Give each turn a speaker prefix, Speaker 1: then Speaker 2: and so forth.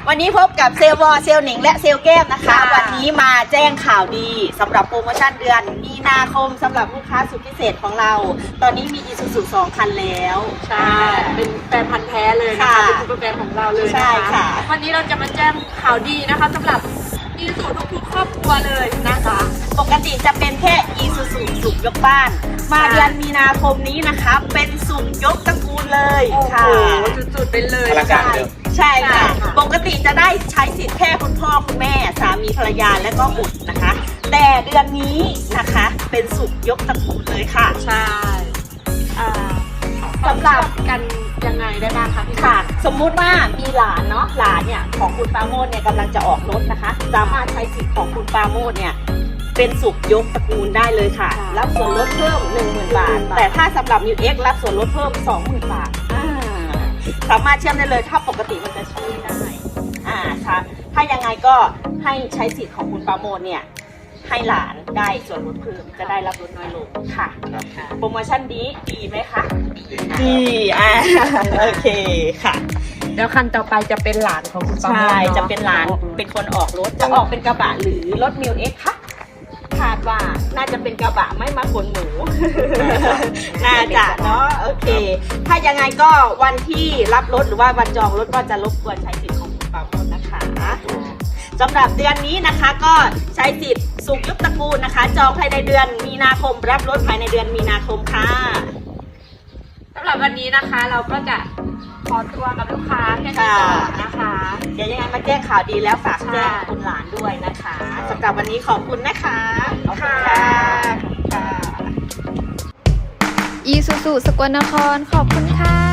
Speaker 1: วันนี้พบกับเซลล์วอเซลล์หนิงและเซลล์แก้มนะคะวันนี้มาแจ้งข่าวดีสำหรับโปรโมชั่นเดือนมีนาคมสำหรับลูกค้าสุดพิเศษของเราตอนนี้มี Isuzu 2 คันแล้ว
Speaker 2: ใช่เป็นแฟนพันธุ์แท้เลยนะคะเป็นซูเปอร์แฟนของเราเลยนะคะ
Speaker 1: ใช่ค่ะ
Speaker 2: วันนี้เราจะมาแจ้งข่าวดีนะคะสำหรับIsuzuทุกครอบครัวเลยนะคะ
Speaker 1: ปกติจะเป็นแค่ Isuzu สุขยกบ้านมาเดือนมีนาคมนี้นะคะเป็นสุขยกตระกูลเลยค่ะ
Speaker 2: โอ้โหจุดๆเป็นเลย
Speaker 3: อลังการเดิม
Speaker 1: ใช่ค่ะปกติจะได้ใช้สิทธิ์แค่คุณพ่อคุณแม่สามีภรรยาและก็บุตรนะคะแต่เดือนนี้นะคะเป็นสุขยกตระกูลเลยค่ะ
Speaker 2: ใช่สำหรับกันยังไงได้บ้างคะพี่
Speaker 1: ค่ะสมมุติว่ามีหลานเนาะหลานเนี่ยของคุณปราโมทเนี่ยกำลังจะออกรถนะคะสามารถใช้สิทธิ์ของคุณปราโมทเนี่ยเป็นสุขยกตระกูลได้เลยค่ะรับส่วนลดเพิ่ม 10,000 บาทแต่ถ้าสำหรับ New X รับส่วนลดเพิ่ม 20,000 บาทสามารถเชื่อมได้เลยถ้าปกติมันจะใช้ไม่ได้ค่ะถ้ายังไงก็ให้ใช้สิทธิ์ของคุณปราโมทเนี่ยให้หลานได้ส่วนลดเพิ่มจะได้รับลดน้อยลงค่ะโปรโมชั่นนี้ดีไหมคะดีโอเคค่ะ
Speaker 2: แล้วคันต่อไปจะเป็นหลานของคุณปาโมท
Speaker 1: ใช่จะเป็นหลานเป็นคนออกรถจะออกเป็นกระบะหรือรถมิวเอ็กซ์คะคาดว่าน่าจะเป็นกระบะไม่มาขนหมู น่าจะเนาะโอเคถ้ายังไงก็วันที่รับรถหรือว่าวันจองรถก็จะรบกวนใช้สิทธิ์ของคุณปราโมทนะคะสำหรับเดือนนี้นะคะก็ใช้สิทธิ์สุขยกตระกูลนะคะจองภายในเดือนมีนาคมรับรถภายในเดือนมีนาคมค่ะ
Speaker 2: สำหรับวันนี้นะคะเราก็จะขอตัวกับลูกค้าแค่นี้ก่อนนะคะ
Speaker 1: เดี๋ยวยังไงมาแจ้งข่าวดีแล้วฝากแจ้งคุณหลานด้วยนะคะสำหรับวันนี้ขอบคุณนะคะขอบคุณค่ะ
Speaker 4: Isuzu สกลนครขอบคุณค่ะ